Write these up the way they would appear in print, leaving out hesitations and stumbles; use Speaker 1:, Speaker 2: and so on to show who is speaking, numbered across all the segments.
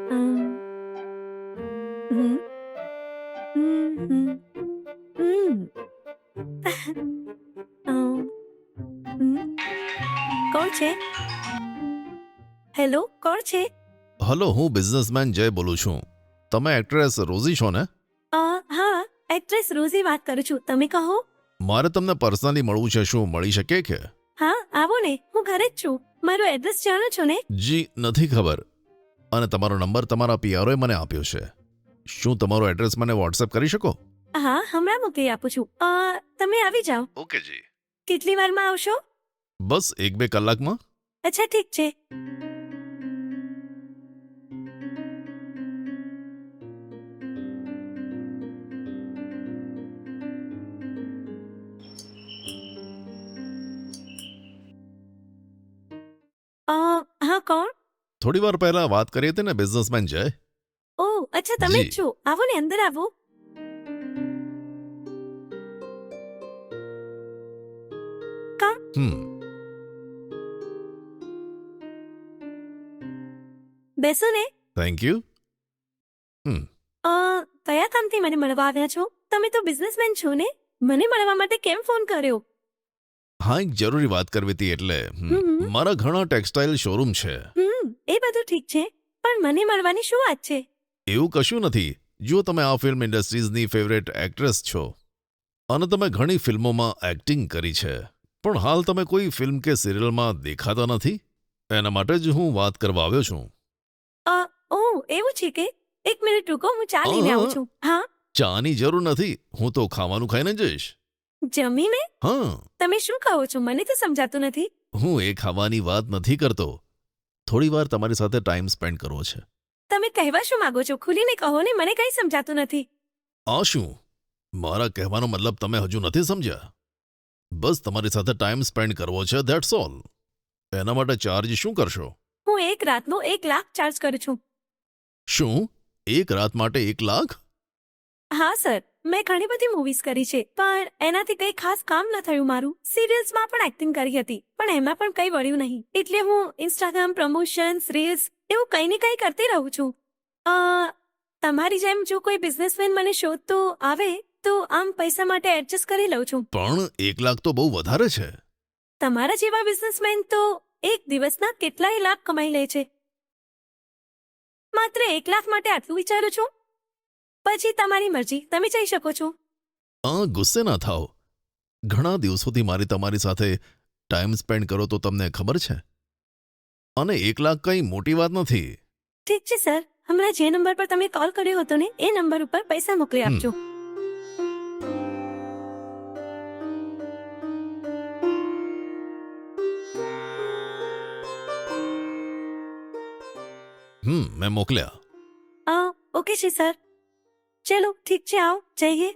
Speaker 1: અમ, હમ, હમ, હમ, અમ, હમ. કોણ છે? હેલો, કોણ છે?
Speaker 2: હલો, હું બિઝનેસમેન જય બોલું છું. તમે એક્ટ્રેસ રોઝી છો ને?
Speaker 1: હા, એક્ટ્રેસ રોઝી વાત કરું છું. તમે કહો.
Speaker 2: મારે તમને પર્સનલી મળવું છે, શું મળી શકે કે?
Speaker 1: હા, આવો ને, હું ઘરે જ છું. મારું એડ્રેસ જાણો છો ને?
Speaker 2: જી નથી ખબર. અને તમારો નંબર તમારા પીઆરઓએ મને આપ્યો છે. શું તમારો એડ્રેસ મને વોટ્સએપ કરી શકો?
Speaker 1: હા, હમણાં મોકલી આપું છું. તમે આવી જાઓ.
Speaker 2: ઓકે જી.
Speaker 1: કેટલી વારમાં આવશો?
Speaker 2: બસ 1-2 કલાકમાં.
Speaker 1: અચ્છા, ઠીક છે. હા, કોણ?
Speaker 2: થોડી વાર પહેલા વાત કરી હતી ને બિઝનેસમેન જય.
Speaker 1: ઓહ, અચ્છા, તમે જ
Speaker 2: જી.
Speaker 1: છો. આવો ને, અંદર આવો.
Speaker 2: હમ.
Speaker 1: બેસો ને.
Speaker 2: Thank you. હમ.
Speaker 1: કયા કામથી મને મળવા આવ્યા છો? તમે તો બિઝનેસમેન છો ને? મને મળવા માટે કેમ ફોન કર્યો?
Speaker 2: હા, એક જરૂરી વાત કરવી હતી એટલે
Speaker 1: હમ.
Speaker 2: મારા ઘણા ટેક્સટાઇલ શોરૂમ છે.
Speaker 1: એ બધું ઠીક છે, પણ મને મળવાની શું વાત છે?
Speaker 2: એવું કશું નથી. જો તમે આ ફિલ્મ ઇન્ડસ્ટ્રીઝની ફેવરેટ એક્ટ્રેસ છો અને તમે ઘણી ફિલ્મોમાં એક્ટિંગ કરી છે, પણ હાલ તમે કોઈ ફિલ્મ કે સિરિયલમાં દેખાતા નથી. એના માટે જ હું વાત કરવા આવ્યો છું.
Speaker 1: ઓહ, એવું છે કે? એક મિનિટ રૂકો, હું ચા લઈને આવું છું. હા,
Speaker 2: ચાની જરૂર નથી, હું તો ખાવાનું ખાઈને જઈશ.
Speaker 1: જમીને?
Speaker 2: હા,
Speaker 1: તમે શું કહો છો? મને તો સમજાતું નથી.
Speaker 2: હું એ ખાવાની વાત નથી કરતો. થોડી વાર તમારી સાથે ટાઈમ સ્પેન્ડ કરવો છે.
Speaker 1: તમે કહેવા શું માંગો છો? ખુલીને કહો ને, મને કંઈ સમજાતું નથી.
Speaker 2: આ શું? મારા કહેવાનો મતલબ તમે હજુ નથી સમજ્યા. બસ તમારી સાથે ટાઈમ સ્પેન્ડ કરવો છે, ધેટ્સ ઓલ. એના માટે ચાર્જ શું કરશો?
Speaker 1: હું એક રાતનો 1,00,000 ચાર્જ કરું છું.
Speaker 2: શું? એક રાત માટે 1,00,000?
Speaker 1: હા સર, મેં ઘણી બધી મૂવીઝ કરી છે, પણ એનાથી કંઈ ખાસ કામ ન થયું મારું. સિરિયલ્સમાં પણ એક્ટિંગ કરી હતી, પણ એમાં પણ કંઈ વળ્યું નહીં. એટલે હું ઇન્સ્ટાગ્રામ પ્રમોશન્સ, રીલ્સ એવું કંઈ ને કંઈ કરતી રહું છું. અ, તમારી જેમ જો કોઈ બિઝનેસમેન મને શોધતો આવે તો આમ પૈસા માટે એડજસ્ટ કરી લઉં છું.
Speaker 2: પણ 1,00,000 તો બહુ વધારે છે.
Speaker 1: તમારા જેવા બિઝનેસમેન તો એક દિવસના કેટલાય લાખ કમાઈ લે છે. માત્ર 1,00,000 માટે આટલું વિચારું છું? પછી તમારી મરજી, તમે જઈ શકો છો.
Speaker 2: ગુસ્સે ના થાઓ. ઘણા દિવસોથી મારી તમારી સાથે ટાઈમ સ્પેન્ડ કરો તો તમને ખબર છે. અને 1,00,000 કંઈ મોટી વાત નથી.
Speaker 1: ઠીક છે સર, હમણાં જે નંબર પર તમે કોલ કર્યો હતો ને એ નંબર ઉપર પૈસા મોકલી
Speaker 2: હમ.
Speaker 1: આપજો.
Speaker 2: મેં મોકલ્યા.
Speaker 1: ઓકે છે સર. ચલો ઠીક છે, આવો જઈએ.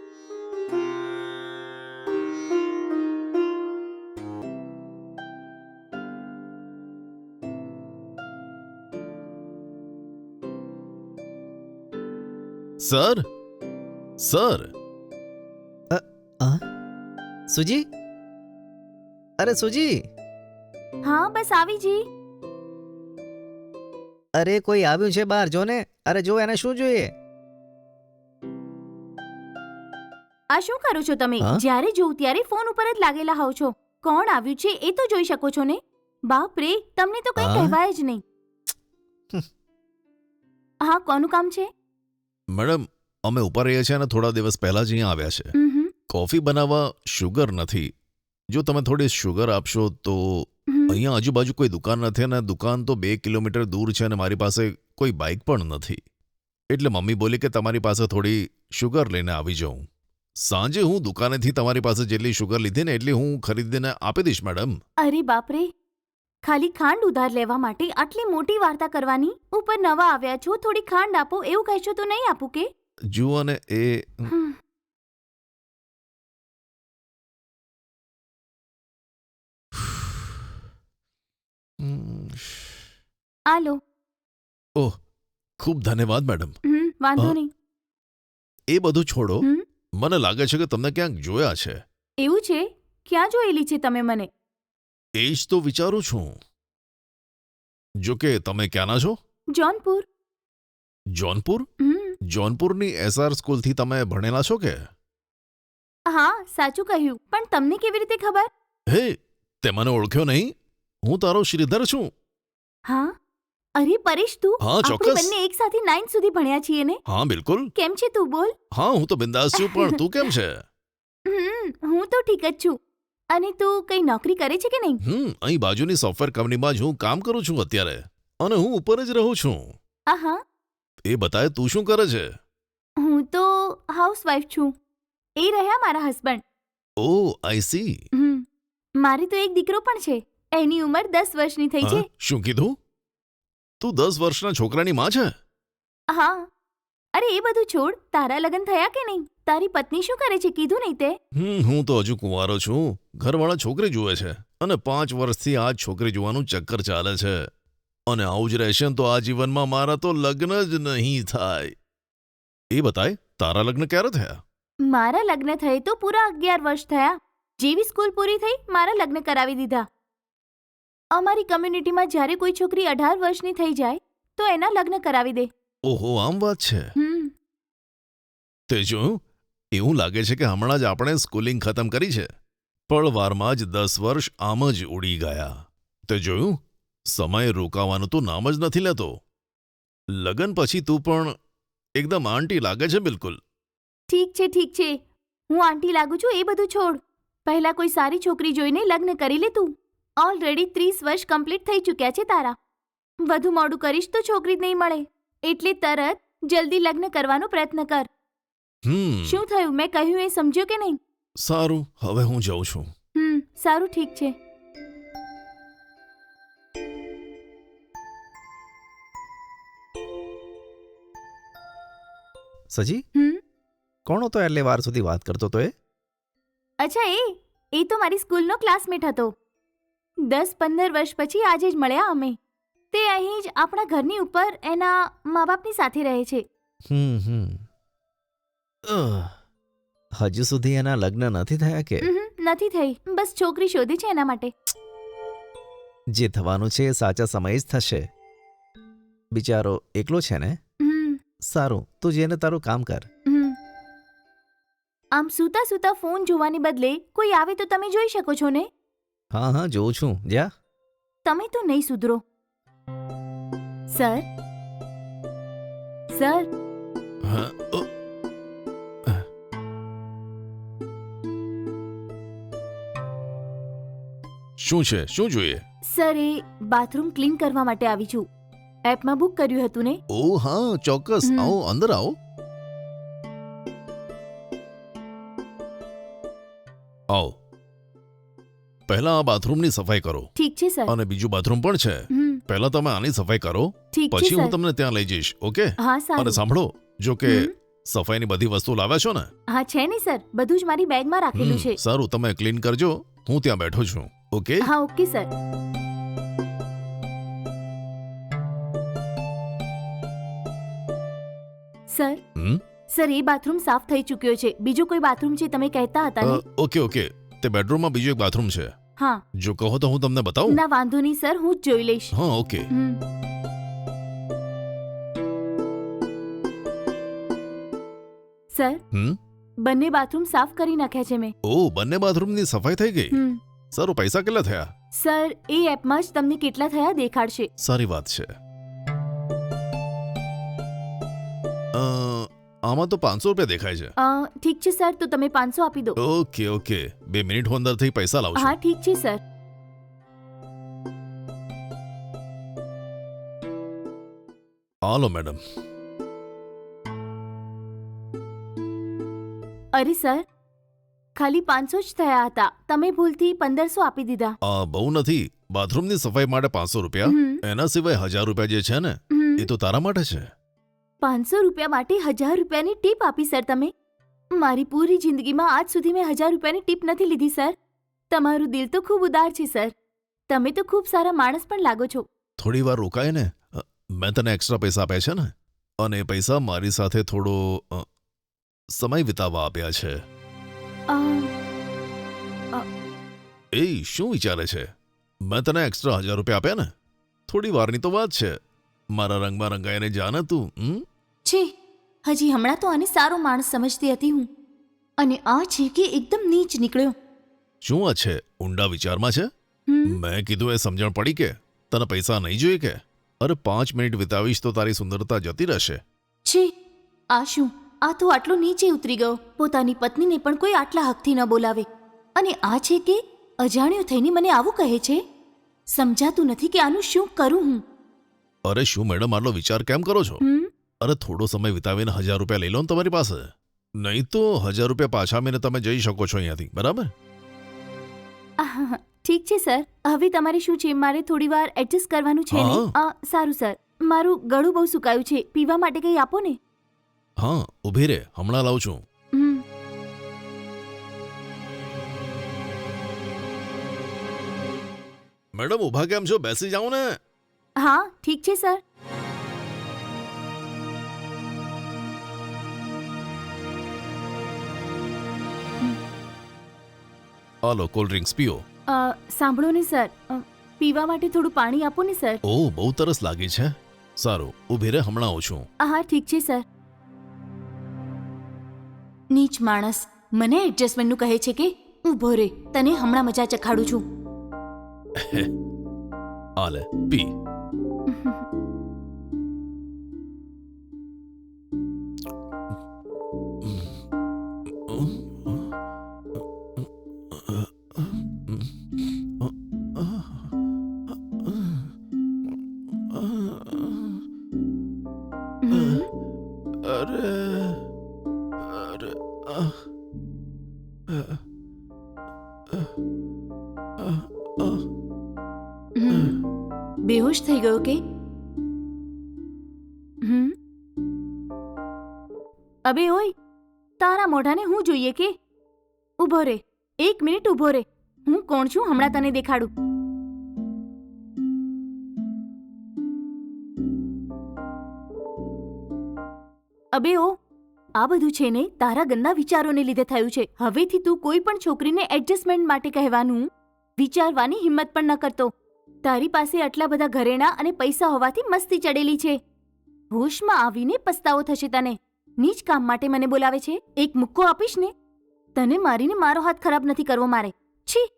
Speaker 2: Sir, sir.
Speaker 3: સુજી, અરે સુજી,
Speaker 4: હા બસ આવી જી.
Speaker 3: અરે કોઈ આવ્યું છે બહાર, જો ને. અરે જો, એને શું જોઈએ?
Speaker 4: આ શું કરો છો તમે?
Speaker 3: હા?
Speaker 4: જ્યારે જોઉં ત્યારે ફોન ઉપર જ લાગેલા હોવ છો. કોણ આવ્યું છે એ તો જોઈ શકો છો ને. બાપ રે, તમને તો કંઈ
Speaker 3: હા?
Speaker 4: કહેવાય જ નહીં. હા, કોનું કામ છે?
Speaker 2: મેડમ, અમે ઉપર રહીએ છીએ અને થોડા દિવસ પહેલા જ અહીંયા આવ્યા છે.
Speaker 4: હમ,
Speaker 2: કોફી બનાવવા શુગર નથી. જો તમે થોડી શુગર આપશો તો.
Speaker 4: હમ.
Speaker 2: અહીંયા આજુબાજુ કોઈ દુકાન નથી અને દુકાન તો 2 કિલોમીટર દૂર છે અને મારી પાસે કોઈ બાઇક પણ નથી. એટલે મમ્મી બોલી કે તમારી પાસે થોડી શુગર લઈને આવી જાઉં. સાંજે હું દુકાનેથી તમારી પાસે જેટલી શુગર લીધી ને એટલી હું ખરીદીને આપી દઈશ મેડમ.
Speaker 4: અરે બાપ રે, ખાલી ખાંડ ઉધાર લેવા માટે આટલી મોટી વાર્તા કરવાની? ઉપર નવા આવ્યા છો, થોડી ખાંડ આપો એવું કહેશો તો નહીં આપું કે?
Speaker 2: જુઓ ને એ.
Speaker 4: હમ. આ લો.
Speaker 2: ઓહ, ખૂબ ધન્યવાદ મેડમ.
Speaker 4: વાંધો
Speaker 2: હા?
Speaker 4: નહીં.
Speaker 2: એ બધું છોડો.
Speaker 4: હમ.
Speaker 2: મને લાગે છે કે તમને ક્યાંક જોયા છે.
Speaker 4: એવું છે? ક્યાં જોયેલી છે તમે મને?
Speaker 2: એ જ તો વિચારું છું. જો કે તમે ક્યાંના છો?
Speaker 4: જોનપુર.
Speaker 2: જોનપુર
Speaker 4: હમ
Speaker 2: જોનપુરની એસઆર સ્કૂલથી તમે ભણેલા છો કે?
Speaker 4: હા સાચું કહ્યું, પણ તમને કેવી રીતે ખબર?
Speaker 2: હે, તે મને ઓળખ્યો નહીં? હું તારો શ્રીધર છું.
Speaker 4: હા, અરે પરેશ તું,
Speaker 2: હા,
Speaker 4: આપણે
Speaker 2: ચોક્કસ.
Speaker 4: બંને એક સાથે 9 સુધી ભણ્યા છીએ ને?
Speaker 2: હા બિલકુલ.
Speaker 4: કેમ છે તું બોલ?
Speaker 2: હા, હું તો બિંદાસ છું, પણ તું કેમ છે?
Speaker 4: હું તો ઠીક જ છું. અને તું કઈ નોકરી કરે છે કે નહીં?
Speaker 2: અહીં બાજુની સોફ્ટવેર કંપનીમાં જ હું કામ કરું છું અત્યારે, અને હું ઉપર જ રહું છું.
Speaker 4: આહા,
Speaker 2: એ બતાય તું શું કરે છે?
Speaker 4: હું તો હાઉસવાઈફ છું. એ રહ્યા મારા હસબન્ડ.
Speaker 2: O I C.
Speaker 4: મારે તો એક દીકરો પણ છે. એની ઉંમર 10 વર્ષની થઈ છે.
Speaker 2: શું કીધું? તું 10 વર્ષના છોકરાની માં છે?
Speaker 4: હા. અરે એ બધું છોડ, તારા લગ્ન થયા કે નહીં? તારી પત્ની શું કરે છે કીધું નહીં તે?
Speaker 2: હું તો હજુ કુંવારો છું. ઘરવાળા છોકરી જુએ છે, અને 5 વર્ષથી આ જ છોકરી જોવાનું ચક્કર ચાલે છે. અને આવું જ રહેશે ને તો આ જીવનમાં મારા તો લગ્ન જ નહીં થાય. એ બતાય, તારા લગ્ન ક્યારે થયા?
Speaker 4: મારા લગ્ન થયે તો પૂરા 11 વર્ષ થયા. જેવી સ્કૂલ પૂરી થઈ મારા લગ્ન કરાવી દીધા. અમારી કમ્યુનિટીમાં જ્યારે કોઈ છોકરી 18 વર્ષની થઈ જાય તો એના લગ્ન કરાવી દે.
Speaker 2: ઓહો, આમ વાત છે. તે જોયું? એવું લાગે છે કે હમણાં જ આપણે સ્કૂલિંગ ખતમ કરી છે. પળવારમાં જ 10 વર્ષ આમ જ ઉડી ગયા. તે જોયું? સમય રોકાવાનું તું નામ જ નથી લેતો. લગ્ન પછી તું પણ એકદમ આંટી લાગે છે બિલકુલ.
Speaker 4: ઠીક છે ઠીક છે, હું આંટી લાગુ છું એ બધું છોડ. પહેલા કોઈ સારી છોકરી જોઈને લગ્ન કરી લે તું. ઓલરેડી 30 વર્ષ કમ્પ્લીટ થઈ ચૂક્યા છે તારા. વધુ મોડું કરીશ તો છોકરી જ નહીં મળે. એટલે તરત જલ્દી લગ્ન કરવાનો પ્રયત્ન કર. શું થયું, મેં કહ્યું એ સમજ્યો કે નહીં?
Speaker 2: સારું, હવે હું જાઉં છું.
Speaker 4: સારું ઠીક છે.
Speaker 3: સજી, કોણ હતો એટલે વાર સુધી વાત કરતો તો એ?
Speaker 4: અચ્છા, એ તો મારી સ્કૂલનો ક્લાસમેટ હતો. 10-15 વર્ષ પછી આજે જ મળ્યા અમે. તે અહીં જ આપણા ઘરની ઉપર એના મા બાપની સાથે રહે છે.
Speaker 3: હજુ સુધી એના લગ્ન નથી થયા કે?
Speaker 4: નથી થઈ, બસ છોકરી શોધી છે એના માટે.
Speaker 3: જે થવાનું છે એ સાચા સમયે જ થશે. બિચારો એકલો છે ને? સારું, તું જેને તારું કામ કર.
Speaker 4: આમ સૂતા સૂતા ફોન જોવાને બદલે કોઈ આવે તો તમે જોઈ શકો છો ને?
Speaker 3: હા હા, જોઉં છું. જા.
Speaker 4: તમે તો નહીં સુધરો. સર સર
Speaker 2: શું છે? શું જોઈએ?
Speaker 4: સર, એ બાથરૂમ ક્લીન કરવા માટે આવી છું. એપમાં બુક કર્યું હતું ને?
Speaker 2: ઓ હા, ચોક્કસ. આવો, અંદર આવો. આવો. પહેલા આ બાથરૂમની સફાઈ કરો.
Speaker 4: ઠીક છે સર.
Speaker 2: અને બીજું બાથરૂમ પણ છે. પહેલા તમે આની સફાઈ કરો,
Speaker 4: ઠીક છે
Speaker 2: પછી હું
Speaker 4: સર.
Speaker 2: તમને ત્યાં લઈ જઈશ. ઓકે?
Speaker 4: હા
Speaker 2: અને
Speaker 4: સારું.
Speaker 2: સાંભળો, જો કે સફાઈની બધી વસ્તુ લાવ્યા છો ને?
Speaker 4: હા છે ને સર, બધું જ મારી બેગમાં રાખેલું છે.
Speaker 2: સારું, તમે ક્લીન કરજો. હું ત્યાં બેઠો છું. ઓકે?
Speaker 4: હા ઓકે સર. સર સર, એ બાથરૂમ સાફ થઈ ચૂક્યો છે. બીજો કોઈ બાથરૂમ છે તમે કહેતા હતા ને?
Speaker 2: ઓકે ઓકે, તે બેડરૂમમાં બીજું એક બાથરૂમ છે.
Speaker 4: હા.
Speaker 2: જો કહો તો હું તમને બતાવું?
Speaker 4: ના વાંધો નહીં સર, હું જ જોઈ લઈશ.
Speaker 2: હા ઓકે.
Speaker 4: સર, બંને બાથરૂમ સાફ કરી નાખ્યા છે મેં.
Speaker 2: ઓ, બંને બાથરૂમની સફાઈ થઈ ગઈ. સારું, પૈસા કેટલા થયા?
Speaker 4: સર, એ એપમાં જ તમને કેટલા થયા દેખાડશે.
Speaker 2: સારી વાત છે. આમાં તો 500 રૂપિયા દેખાય છે.
Speaker 4: ઠીક છે સર, તો તમે 500 આપી દો.
Speaker 2: ઓકે ઓકે, 2 મિનિટ હું અંદરથી પૈસા લાવું છું.
Speaker 4: હા ઠીક છે સર.
Speaker 2: Hello madam.
Speaker 4: અરે સર, ખાલી 500 જ થયા હતા. તમે ભૂલથી 1500 આપી દીધા.
Speaker 2: બહુ નથી. બાથરૂમની સફાઈ માટે 500 રૂપિયા. એના સિવાય 1000 રૂપિયા જે છે ને, એ તો તારા માટે છે.
Speaker 4: 500 રૂપિયા માટે 1000 રૂપિયાની ટીપ આપી સર તમે? મારી પૂરી જિંદગીમાં આજ સુધી મેં 1000 રૂપિયાની ટીપ નથી લીધી સર. તમારું દિલ તો ખૂબ ઉદાર છે સર. તમે તો ખૂબ સારા માણસ પણ લાગો છો.
Speaker 2: થોડી વાર રોકાય ને. મેં તને એક્સ્ટ્રા પૈસા આપ્યા છે ને, અને એ પૈસા મારી સાથે થોડો સમય વિતાવવા આપ્યા છે. એ શું વિચારે છે? મેં તને એક્સ્ટ્રા 1000 રૂપિયા આપ્યા ને. થોડી વારની તો વાત છે. મારા રંગમાં રંગાઈને જા ને તું.
Speaker 4: છે હજી હમણાં તો આને સારો માણસ સમજતી હતી હું, અને આ છે કે એકદમ નીચ નીકળ્યો.
Speaker 2: શું આ છે? ઊંડા વિચારમાં છે? મેં કીધું એ સમજણ પડી કે તને પૈસા નહીં જોઈએ કે? અરે 5 મિનિટ વિતાવીશ તો તારી સુંદરતા જતી રહેશે.
Speaker 4: છે આ શું? આ તો આટલો નીચે ઉતરી ગયો. પોતાની પત્નીને પણ કોઈ આટલા હકથી ન બોલાવે, અને આ છે કે અજાણ્યો થઈને મને આવું કહે છે. સમજાતું નથી કે આનું શું કરું હું.
Speaker 2: અરે શું મેડમ આટલો વિચાર કેમ કરો છો? અરે થોડો સમય વિતાવીને 1000 રૂપિયા લઈ લો ને તમારી પાસે. નહીં તો 1000 રૂપિયા પાછા આવીને તમે જઈ શકો છો અહીંયાથી, બરાબર?
Speaker 4: આહ, ઠીક છે સર. હવે તમારે શું છે? મારે થોડી વાર એડજસ્ટ કરવાનું છે ને? સારું સર. મારું ગળું બહુ સુકાયું છે, પીવા માટે કંઈ આપો ને.
Speaker 2: હા, ઊભી રહે, હમણાં લાવું છું. મેડમ ઊભા કેમ છો? બેસી જાઓ ને.
Speaker 4: હા ઠીક છે સર.
Speaker 2: હાલો કોલ્ડ ડ્રિંક્સ પીઓ.
Speaker 4: સાંભળો ને સર, પીવા માટે થોડું પાણી આપો ને સર.
Speaker 2: ઓહ, બહુ તરસ લાગી છે. સારું, ઊભી રહે, હમણાં આવું છું.
Speaker 4: હા ઠીક છે સર. નીચ માણસ મને એડજસ્ટમેન્ટનું કહે છે કે ઊભો રે, તને હમણાં મજા ચખાડું છું.
Speaker 2: હાલે પી.
Speaker 4: બેહોશ થઈ ગયો કે? અબે ઓય, તારા મોઢાને હું જોઈએ કે? ઊભો રે, 1 મિનિટ ઊભો રે. હું કોણ છું હમણાં તને દેખાડું. અબે ઓ, આ બધું છે ને તારા ગંદા વિચારોને લીધે થયું છે. હવેથી તું કોઈ પણ છોકરીને એડજસ્ટમેન્ટ માટે કહેવાનું વિચારવાની હિંમત પણ ન કરતો. તારી પાસે આટલા બધા ઘરેણાં અને પૈસા હોવાથી મસ્તી ચડેલી છે. હોશમાં આવીને પસ્તાવો થશે તને. નીચ કામ માટે મને બોલાવે છે? એક મુક્કો આપીશ ને. તને મારીને મારો હાથ ખરાબ નથી કરવો મારે. છી.